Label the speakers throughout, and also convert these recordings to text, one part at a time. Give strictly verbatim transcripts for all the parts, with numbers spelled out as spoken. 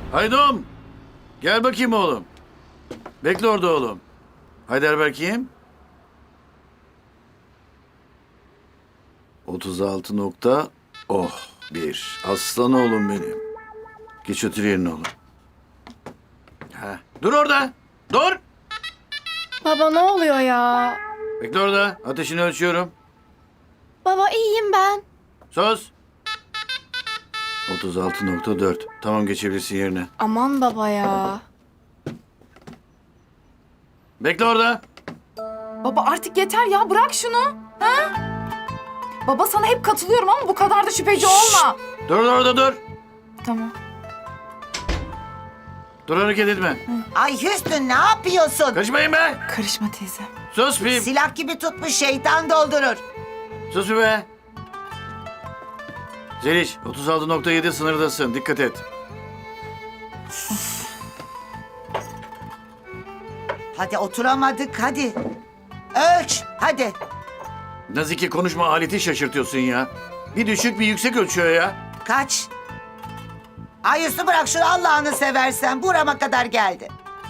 Speaker 1: Haydom. Gel bakayım oğlum. Bekle orada oğlum. Haydar bakayım. otuz altı nokta oh bir. Aslan oğlum benim. Geç otur yerine oğlum. Ha. Dur orada. Dur.
Speaker 2: Baba ne oluyor ya?
Speaker 1: Bekle orada. Ateşini ölçüyorum.
Speaker 2: Baba iyiyim ben.
Speaker 1: Sus. otuz altı nokta dört. Tamam geçebilirsin yerine.
Speaker 2: Aman baba ya.
Speaker 1: Bekle orada.
Speaker 3: Baba artık yeter ya, bırak şunu. Ha? Baba sana hep katılıyorum ama bu kadar da şüpheci olma.
Speaker 1: Dur orada dur.
Speaker 3: Tamam.
Speaker 1: Dur hareket etme.
Speaker 4: Ay Hüsnü ne yapıyorsun?
Speaker 1: Kaçmayın be.
Speaker 3: Karışma teyze.
Speaker 1: Sus bir.
Speaker 4: Silah gibi tutmuş şeytan doldurur.
Speaker 1: Sus bir be. Zeliş otuz altı nokta yedi sınırdasın. Dikkat et.
Speaker 4: Hadi oturamadık hadi. Ölç hadi.
Speaker 1: Nazike konuşma aleti şaşırtıyorsun ya. Bir düşük bir yüksek ölçüyor ya.
Speaker 4: Kaç? Ay Hüsnü bırak şunu Allah'ını seversen. Burama kadar geldi.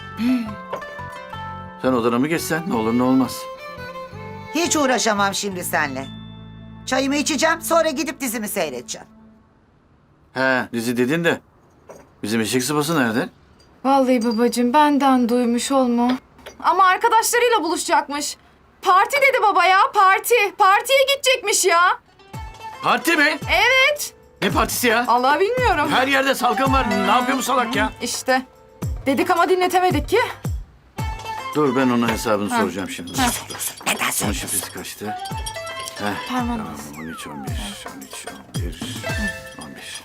Speaker 1: Sen odana mı geçsen ne olur ne olmaz.
Speaker 4: Hiç uğraşamam şimdi seninle. Çayımı içeceğim sonra gidip dizimi seyredeceğim.
Speaker 1: He dizi dedin de. Bizim eşek sıpası nerede?
Speaker 3: Vallahi babacığım benden duymuş olma. Ama arkadaşlarıyla buluşacakmış. Parti dedi baba ya, parti. Partiye gidecekmiş ya.
Speaker 1: Parti mi?
Speaker 3: Evet.
Speaker 1: Ne partisi ya?
Speaker 3: Allah bilmiyorum.
Speaker 1: Her yerde salgın var. Ne yapıyor bu salak ya?
Speaker 3: İşte. Dedik ama dinletemedik ki.
Speaker 1: Dur ben ona hesabını soracağım şimdi.
Speaker 4: Neden
Speaker 1: Onun
Speaker 4: söylüyorsun?
Speaker 1: şifresi kaçtı? Heh.
Speaker 3: Parmağını
Speaker 1: Tamam, on üç, on bir, on üç, on bir, on bir.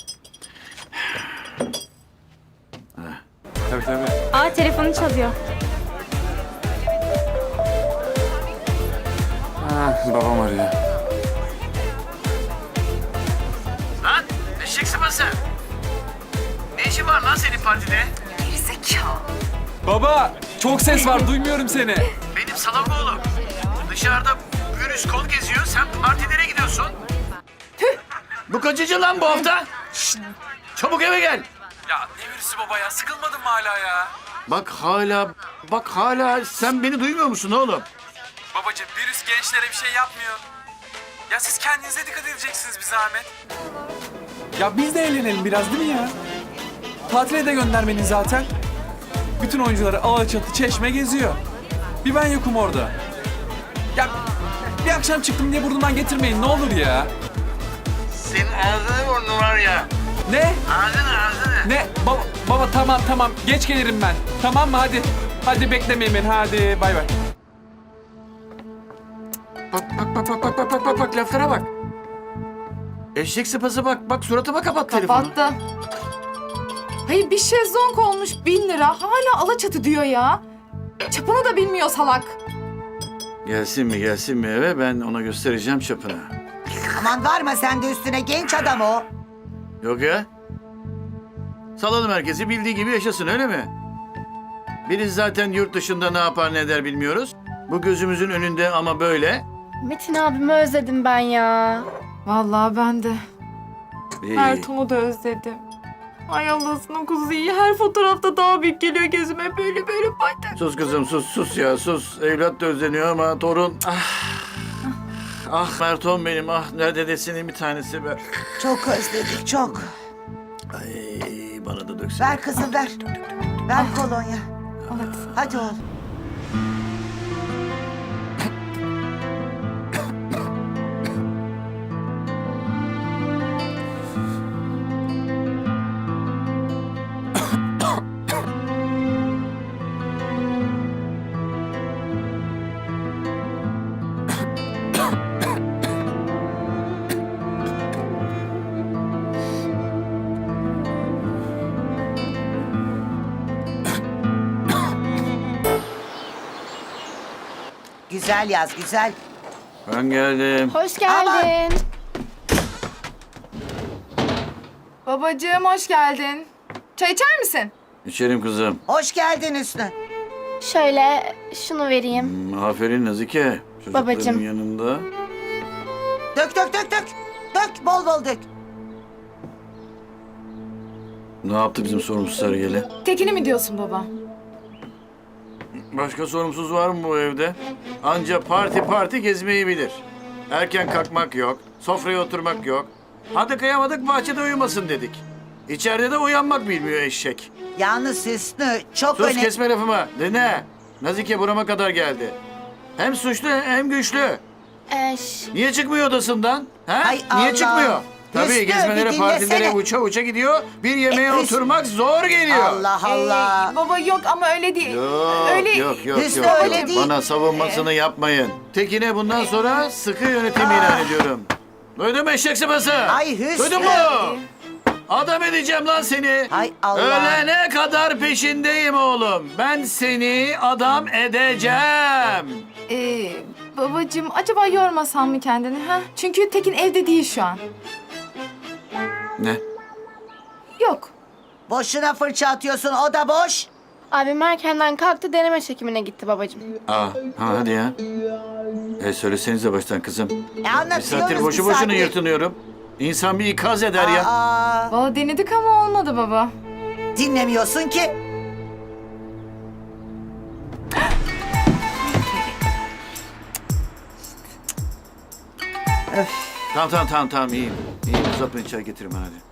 Speaker 5: Tabii tabii.
Speaker 2: Aa telefonu çalıyor.
Speaker 5: Ha, babam arıyor.
Speaker 1: Lan eşek sıpası. Ne işin var lan senin partide?
Speaker 5: Baba, çok ses var, duymuyorum seni.
Speaker 1: Benim salak oğlum. Dışarıda virüs kol geziyor. Sen partilere gidiyorsun. Bu kaçıncı lan bu hafta? Şşt! Çabuk eve gel.
Speaker 5: Ya ne virüsü baba ya, sıkılmadın mı hala ya?
Speaker 1: Bak hala, bak hala sen beni duymuyor musun oğlum?
Speaker 5: Babacığım, virüs gençlere bir şey yapmıyor. Ya siz kendinize dikkat edeceksiniz bir zahmet. Ya biz de eğlenelim biraz değil mi ya? Tatile de gönder beni zaten. Bütün oyuncuları Alaçatı, Çeşme geziyor. Bir ben yokum orada. Ya bir akşam çıktım diye burnumdan getirmeyin ne olur ya.
Speaker 1: Senin ağzını burnun var ya.
Speaker 5: Ne?
Speaker 1: Ağzını ağzını.
Speaker 5: Ne? Baba, baba tamam tamam geç gelirim ben. Tamam mı hadi. Hadi beklemeyin beni hadi bay bay.
Speaker 1: Bak bak bak bak bak bak bak bak bak laflara bak. Eşek sıpası bak bak suratıma kapat telefonu.
Speaker 3: Kapattı. Hayır bir şezlong olmuş bin lira. Hala Alaçatı diyor ya. Çapını da bilmiyor salak.
Speaker 1: Gelsin mi gelsin mi eve ben ona göstereceğim çapını.
Speaker 4: Aman varma sen de üstüne genç adam o.
Speaker 1: Yok ya. Salalım herkesi bildiği gibi yaşasın öyle mi? Biriz zaten yurt dışında ne yapar ne eder bilmiyoruz. Bu gözümüzün önünde ama böyle.
Speaker 2: Metin abimi özledim ben ya.
Speaker 3: Vallahi ben de.
Speaker 1: İyi.
Speaker 3: Ertuğ'u da özledim. Ay Allah'ın kuzusu iyi. Her fotoğrafta daha büyük geliyor gözüme. Böyle böyle baktım.
Speaker 1: Sus kızım sus sus ya sus. Evlat da özleniyor ama torun. Ah. Ah Merton benim ah nerede desinin bir tanesi be.
Speaker 4: Çok özledik çok.
Speaker 1: Ay bana da döksün.
Speaker 4: Ver kızım ver. Ver kolonya. Hadi oğlum. Güzel yaz güzel.
Speaker 1: Ben geldim.
Speaker 2: Hoş geldin.
Speaker 3: Babacığım hoş geldin. Çay içer misin?
Speaker 1: İçerim kızım.
Speaker 4: Hoş geldin Hüsnü.
Speaker 2: Şöyle şunu vereyim.
Speaker 1: Hmm, aferin Nazike. Çocukların
Speaker 2: Babacığım.
Speaker 1: yanında.
Speaker 4: Dök dök dök dök. Dök bol bol dök.
Speaker 1: Ne yaptı bizim sorumsuz Sarıgeli?
Speaker 3: Tekin'i mi diyorsun baba?
Speaker 1: Başka sorumsuz var mı bu evde? Anca parti parti gezmeyi bilir. Erken kalkmak yok, sofraya oturmak yok. Hadi kıyamadık bahçede uyumasın dedik. İçeride de uyanmak bilmiyor eşek.
Speaker 4: Yalnız Hüsnü çok
Speaker 1: Sus
Speaker 4: önemli.
Speaker 1: kesme lafımı. Dinle. Nazike burama kadar geldi. Hem suçlu hem güçlü.
Speaker 2: Eş.
Speaker 1: Niye çıkmıyor odasından? Ha?
Speaker 4: Hay
Speaker 1: Niye
Speaker 4: Allah.
Speaker 1: çıkmıyor? Tabii
Speaker 4: Hüsnü,
Speaker 1: gezmelere,
Speaker 4: bir
Speaker 1: partilere
Speaker 4: dinlesene.
Speaker 1: uça uça gidiyor. Bir yemeğe
Speaker 4: E, Hüsnü-
Speaker 1: oturmak zor geliyor.
Speaker 4: Allah Allah.
Speaker 3: Ee, baba yok ama öyle değil.
Speaker 1: Yok,
Speaker 3: öyle
Speaker 1: yok, yok,
Speaker 4: Hüsnü
Speaker 1: yok,
Speaker 4: öyle
Speaker 1: yok.
Speaker 4: değil.
Speaker 1: Bana savunmasını yapmayın. Tekin'e bundan sonra sıkı yönetim ilan ediyorum. Duydun mu eşek sıpası?
Speaker 4: Ay Hüsnü.
Speaker 1: Duydun mu? Adam edeceğim lan seni.
Speaker 4: Hay Allah.
Speaker 1: Ölene kadar peşindeyim oğlum. Ben seni adam edeceğim.
Speaker 3: Ee, babacığım acaba yormasan mı kendini ha? Çünkü Tekin evde değil şu an.
Speaker 1: Ne?
Speaker 3: Yok.
Speaker 4: Boşuna fırça atıyorsun, o da boş.
Speaker 2: Abim erkenden kalktı, deneme çekimine gitti babacığım.
Speaker 1: Aa, ha, hadi ya. E söylesenize baştan kızım.
Speaker 4: E
Speaker 1: Bir
Speaker 4: anlatıyoruz
Speaker 1: saattir boşu
Speaker 4: bir
Speaker 1: boşuna
Speaker 4: saattir.
Speaker 1: yırtınıyorum. İnsan bir ikaz eder ya.
Speaker 4: Aa,
Speaker 3: Valla denedik ama olmadı baba.
Speaker 4: dinlemiyorsun ki.
Speaker 1: Tamam tamam tamam tamam iyiyim. İyiyim uzatmayın çay getirin bana hadi.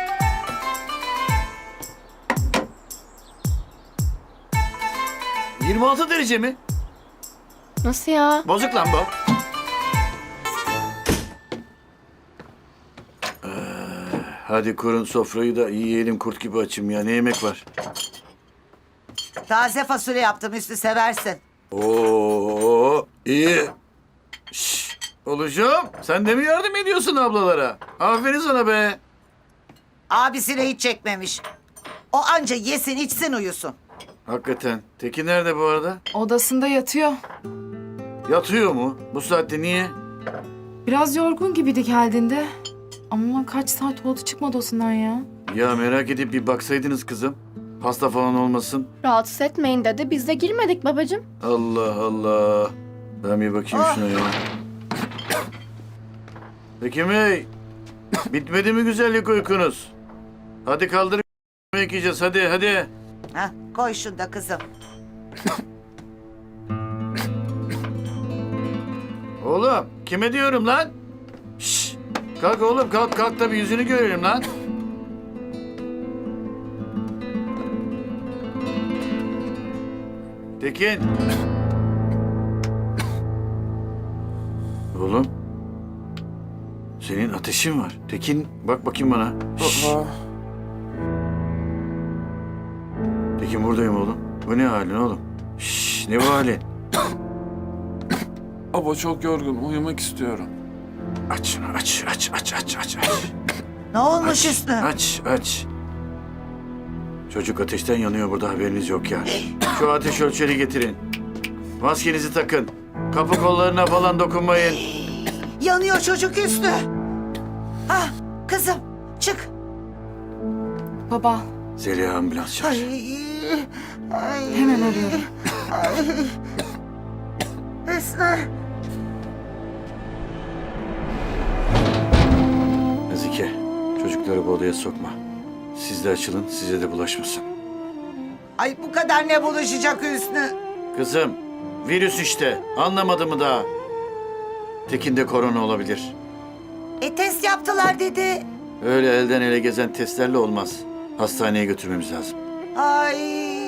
Speaker 1: yirmi altı derece mi?
Speaker 2: Nasıl ya?
Speaker 1: Bozuk lan bu. Ee, hadi kurun sofrayı da yiyelim kurt gibi açım ya. Ne yemek var?
Speaker 4: Taze fasulye yaptım, Hüsnü seversin.
Speaker 1: Oo iyi. Şş, oluşum sen de mi yardım ediyorsun ablalara? Aferin sana be.
Speaker 4: Abisine hiç çekmemiş. O anca yesin, içsin, uyusun.
Speaker 1: Hakikaten. Tekin nerede bu arada?
Speaker 3: Odasında yatıyor.
Speaker 1: Yatıyor mu? Bu saatte niye?
Speaker 3: Biraz yorgun gibiydi geldiğinde. Ama kaç saat oldu çıkmadı odasından ya.
Speaker 1: Ya merak edip bir baksaydınız kızım. Hasta falan olmasın.
Speaker 2: Rahatsız etmeyin dedi. Biz de girmedik babacığım.
Speaker 1: Allah Allah. Ben bir bakayım
Speaker 4: Ah.
Speaker 1: şuna ya. Tekin Bey. Bitmedi mi güzellik uykunuz? Hadi kaldır yemek yiyeceğiz hadi hadi.
Speaker 4: Hah, koy şunu da kızım.
Speaker 1: Oğlum kime diyorum lan? Şşş. Kalk oğlum kalk kalk da bir yüzünü görelim lan. Tekin. Oğlum. Senin ateşin var. Tekin bak bakayım bana. Şşş.
Speaker 5: Baba.
Speaker 1: Tekin buradayım oğlum. Bu ne halin oğlum? Şşş ne bu halin?
Speaker 5: Baba çok yorgun. Uyumak istiyorum.
Speaker 1: Aç şunu aç aç aç aç aç aç.
Speaker 4: Ne olmuş
Speaker 1: Aç,
Speaker 4: Hüsnü?
Speaker 1: aç, aç. Çocuk ateşten yanıyor burada haberiniz yok ya. Şu ateş ölçeri getirin. Maskenizi takın. Kapı kollarına falan dokunmayın.
Speaker 4: Yanıyor çocuk Hüsnü. Ah, kızım çık.
Speaker 3: Baba
Speaker 1: Zeliha ambulans çağır.
Speaker 4: Ay, ay,
Speaker 3: hemen arıyorum.
Speaker 4: Hüsnü.
Speaker 1: Nazike, çocukları bu odaya sokma. Siz de açılın, size de bulaşmasın.
Speaker 4: Ay bu kadar ne buluşacak Hüsnü?
Speaker 1: Kızım, virüs işte. Anlamadı mı daha? Tekin'de korona olabilir.
Speaker 4: E test yaptılar dedi.
Speaker 1: Öyle elden ele gezen testlerle olmaz. Hastaneye götürmemiz lazım.
Speaker 4: Ay.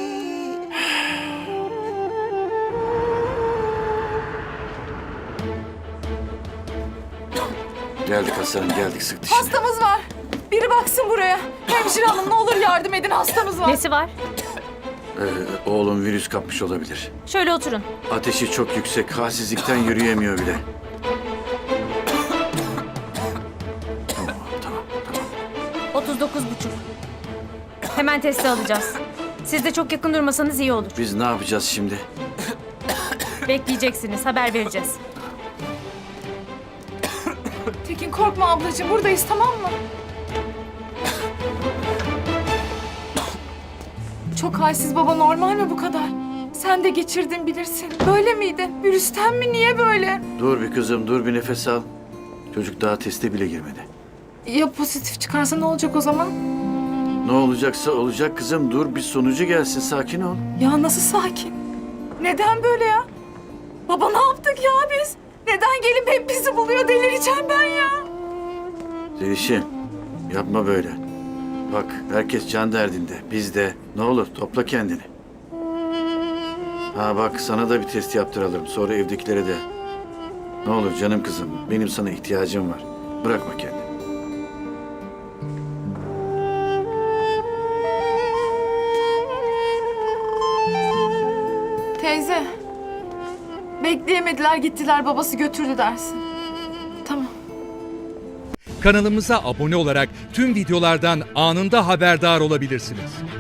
Speaker 1: Geldik aslanım, geldik sık dişini.
Speaker 3: Hastamız var. Biri baksın buraya. Hemşire hanım ne olur yardım edin hastamız var.
Speaker 6: Nesi var?
Speaker 1: Ee, oğlum virüs kapmış olabilir.
Speaker 6: Şöyle oturun.
Speaker 1: Ateşi çok yüksek, halsizlikten yürüyemiyor bile. Tamam, tamam, tamam.
Speaker 6: otuz dokuz buçuk. Hemen testi alacağız. Siz de çok yakın durmasanız iyi olur.
Speaker 1: Biz ne yapacağız şimdi?
Speaker 6: Bekleyeceksiniz. Haber vereceğiz.
Speaker 3: Tekin korkma ablacığım buradayız tamam mı? Çok halsiz baba normal mi bu kadar? Sen de geçirdin bilirsin. Böyle miydin? Virüsten mi? Niye böyle?
Speaker 1: Dur bir kızım, dur bir nefes al. Çocuk daha teste bile girmedi.
Speaker 3: Ya pozitif çıkarsa ne olacak o zaman?
Speaker 1: Ne olacaksa olacak kızım. Dur bir sonucu gelsin. Sakin ol.
Speaker 3: Ya nasıl sakin? Neden böyle ya? Baba ne yaptık ya biz? Neden gelip hep bizi buluyor? Delireceğim ben ya.
Speaker 1: Zeliş'im yapma böyle. Bak herkes can derdinde. Biz de. Ne olur topla kendini. Ha bak sana da bir test yaptıralım. Sonra evdekilere de. Ne olur canım kızım. Benim sana ihtiyacım var. Bırakma kendini.
Speaker 3: Teyze. Bekleyemediler gittiler babası götürdü dersin. Tamam.
Speaker 7: Kanalımıza abone olarak tüm videolardan anında haberdar olabilirsiniz.